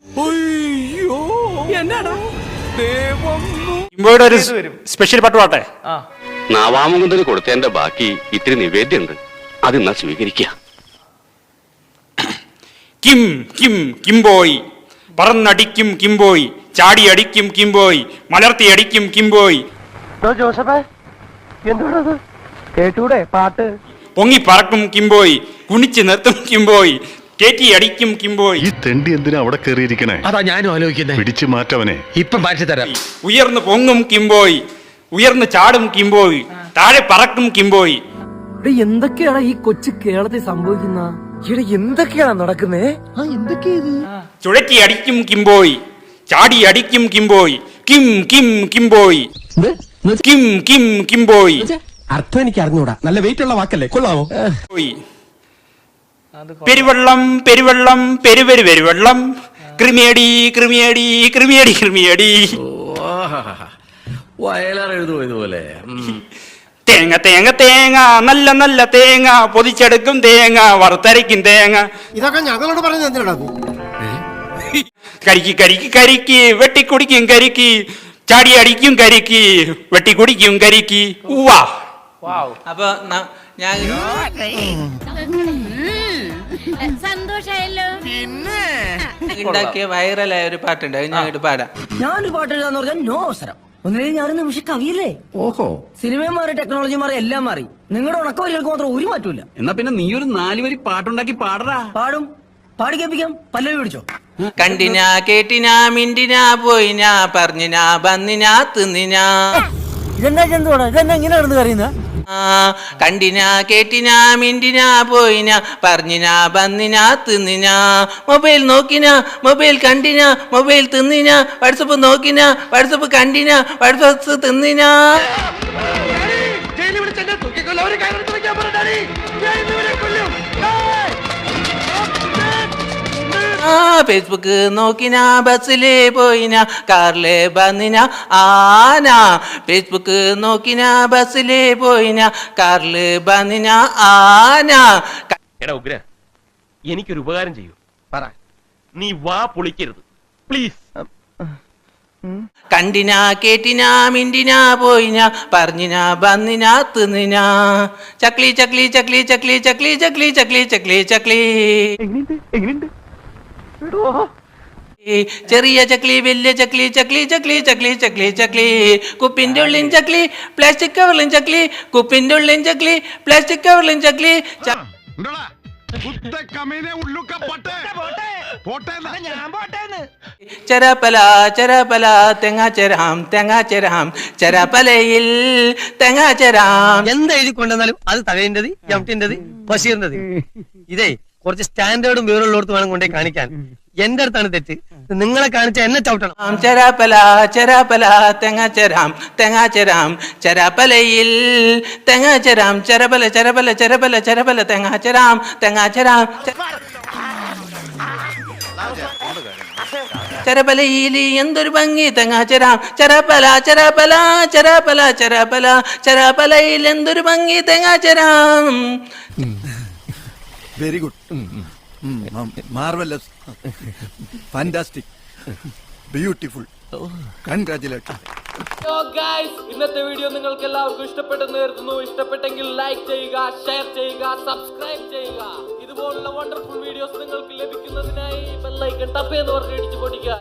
കിംബോയുടെ ഒരു സ്പെഷ്യൽ പട്ടുപാട്ടെ. നാവാമുകുന്ദന് കൊടുത്തതിന്റെ ബാക്കി ഇത്തിരി നിവേദ്യമുണ്ട്, അത് എന്നാ സ്വീകരിക്കുക. കിം കിം കിംബോയ്, പറന്നടിക്കും കിംബോയ്, ചാടി അടിക്കും കിംബോയ്, മലർത്തി അടിക്കും കിംബോയ്. ജോസഫേ, എന്താണത്? കേട്ടൂടെ പാട്ട്? പൊങ്ങി പറക്കും കിംബോയ്, കുണിച്ച് നിർത്തും കിംബോയ്, കേറ്റി അടിക്കും കിംബോയ്. ഈ തെണ്ടി എന്തിനാ അവിടെ കയറിയിരിക്കണേ? അതാ ഞാനും ആലോചിക്കുന്നേ. പിടിച്ചു മാറ്റവനെ. ഇപ്പം മാറ്റി തരാം. ഉയർന്നു പൊങ്ങും കിംബോയ്, ഉയർന്നു ചാടും കിംബോയ്, താഴെ പറക്കും കിംബോയ്. എന്തൊക്കെയാണ് ഈ കൊച്ചു കേരളത്തിൽ സംഭവിക്കുന്ന? ഇവിടെ എന്തൊക്കെയാണ് നടക്കുന്നേ? ചുഴറ്റി അടിക്കും കിംബോയ്, ചാടി അടിക്കും കിംബോയ്, കിം കിം കിംബോയ്, കിം കിം കിംബോയ്. അർത്ഥം എനിക്ക് അറിഞ്ഞൂടാ. നല്ല വെയിറ്റ് ഉള്ള വാക്കല്ലേ, കൊള്ളാമോ? പെരുവെള്ളം പെരുവെള്ളം പെരുവെരു പെരുവെള്ളം, ക്രിമിയടി ക്രിമിയടി ക്രിമിയടി ക്രിമിയടി. ഇതുപോലെ തേങ്ങ തേങ്ങ തേങ്ങ, നല്ല നല്ല തേങ്ങ, പൊതിച്ചെടുക്കും തേങ്ങ, വറുത്തരയ്ക്കും തേങ്ങ. ഇതൊക്കെ ഞങ്ങളോട് പറഞ്ഞത് എന്തിനാ? കരിക്ക് കരിക്ക് കരിക്ക്, വെട്ടിക്കുടിക്കും കരിക്ക്, ചാടി അടിക്കും കരിക്ക്, വെട്ടിക്കുടിക്കും കരിക്ക്. ഉവാ. അപ്പൊ ഞാൻ സന്തോഷായല്ലോ. ഉണ്ടാക്കിയ വൈറലായ ഒരു പാട്ടുണ്ട്, അത് ഞാൻ ഇട്ട് പാടാം. ഞാനൊരു പാട്ട് എഴുതാന്ന് പറഞ്ഞാൽ നോ അവസരം. ഒന്നിനും ഞാനൊരു നിമിഷം കവിയല്ലേ? ഓഹോ, സിനിമയും മാറി, ടെക്നോളജി മാറി, എല്ലാം മാറി. നിങ്ങളുടെ ഉണക്കവരികൾക്ക് മാത്രം ഒരു മാറ്റമില്ല. എന്നാ പിന്നെ നീ ഒരു 4 വരി പാട്ടുണ്ടാക്കി പാടറാ. പാടും, പാടി കേൾപ്പിക്കാം. പല്ലവി പിടിച്ചോ. കണ്ടിനാ കേട്ടിനാ മിണ്ടിനാ പോയിനാ പറഞ്ഞിനാ വന്നിനാ തിന്നിനാ. ഇതെന്നാ ചെന്തോടാ? ഇതെന്നാ ഇങ്ങനെ കിടന്ന് കറിയുന്ന? കണ്ടിനാ കേട്ടിനാ മിണ്ടിനാ പോയിനാ പറഞ്ഞിനാ വന്നിനാ തിന്നിനാ. മൊബൈൽ നോക്കിനാ, മൊബൈൽ കണ്ടിനാ, മൊബൈൽ തിന്നിനാ, വാട്സപ്പ് നോക്കിനാ, വാട്സപ്പ് കണ്ടിനാ, വാട്സപ്പ് തിന്നിനാ. ഫേസ്ബുക്ക് നോക്കിനാ, ബസ്സില് പോയിനാ, കാറില് വന്നിനാ ആന. ഫേസ്ബുക്ക് നോക്കിനാ, ബസ്സില് പോയിനാ, കാറില് വന്നിനാ ആന. എടാ ഉഗ്ര, എനിക്കൊരു ഉപകാരം ചെയ്യൂ. പറ, നീ വാ പൊളിക്കരുത് പ്ലീസ്. കണ്ടിനാ കേട്ടിനാ മിണ്ടിനാ പോയിനാ പറഞ്ഞിനാ വന്നിനാ തിന്നിനാ. ചക്ലി ചക്ലി ചക്ലി ചക്ലി ചക്ലി ചക്ലി ചക്ലി ചക്ലി ചക്ലി. ചെറിയ ചക്ലി, വലിയ ചക്ലി, ചക്ലി ചക്ലി ചക്ലി ചക്ലി ചക്ലി. കുപ്പിന്റെ ഉള്ളിൻ ചക്ലി, പ്ലാസ്റ്റിക് കവറിലും ചക്ലി, കുപ്പിന്റെ ഉള്ളിൻ ചക്ലി, പ്ലാസ്റ്റിക് കവറിലും ചക്ലി. ചെരപ്പല ചെരപ്പല തെങ്ങാച്ചരാം തെങ്ങാച്ചരാം, ചെരപ്പലയിൽ തെങ്ങാച്ചരാം. എന്താ എഴുതി കൊണ്ടുവന്നാലും അത് തകഴിന്റത്, എംടിന്റത്, ബഷീറിന്റത്. ഇതേ കുറച്ച് സ്റ്റാൻഡേർഡും വേറുള്ളടത്ത് വേണം കൊണ്ടേ കാണിക്കാൻ. എന്റെ അടുത്താണ് തെറ്റ്. നിങ്ങളെ കാണിച്ച എന്നെ ചവിട്ടണം. ചെരാപ്പല ചെരാപ്പല തെങ്ങാച്ചരാം തെങ്ങാച്ചരാം, ചെരാപ്പലയിൽ തെങ്ങാച്ചരാം, ചെരപ്പല ചെരപ്പല ചെരപ്പല ചെരപ്പല തെങ്ങാച്ചരാം തെങ്ങാച്ചരാം. ചെരപ്പലയിൽ എന്തൊരു ഭംഗി തെങ്ങാച്ചരാം, ചെരപ്പല ചെരപ്പല ചെരപ്പല ചെരപ്പല, ചെരപ്പലയിൽ എന്തൊരു ഭംഗി തെങ്ങാച്ചരാം. Very good, marvellous, fantastic, beautiful, congratulation. ഇന്നത്തെ വീഡിയോ നിങ്ങൾക്ക് എല്ലാവർക്കും ഇഷ്ടപ്പെട്ടെന്ന് കരുതുന്നു. ഇഷ്ടപ്പെട്ടെങ്കിൽ ലൈക്ക് ചെയ്യുക, ഷെയർ ചെയ്യുക, സബ്സ്ക്രൈബ് ചെയ്യുക. ഇതുപോലുള്ള വണ്ടർഫുൾ വീഡിയോസ് നിങ്ങൾക്ക് ലഭിക്കുന്നതിനായി ബെൽ ഐക്കൺ ടപ്പ് എന്ന് പറഞ്ഞ് ഇടിച്ചു പൊടിക്കുക.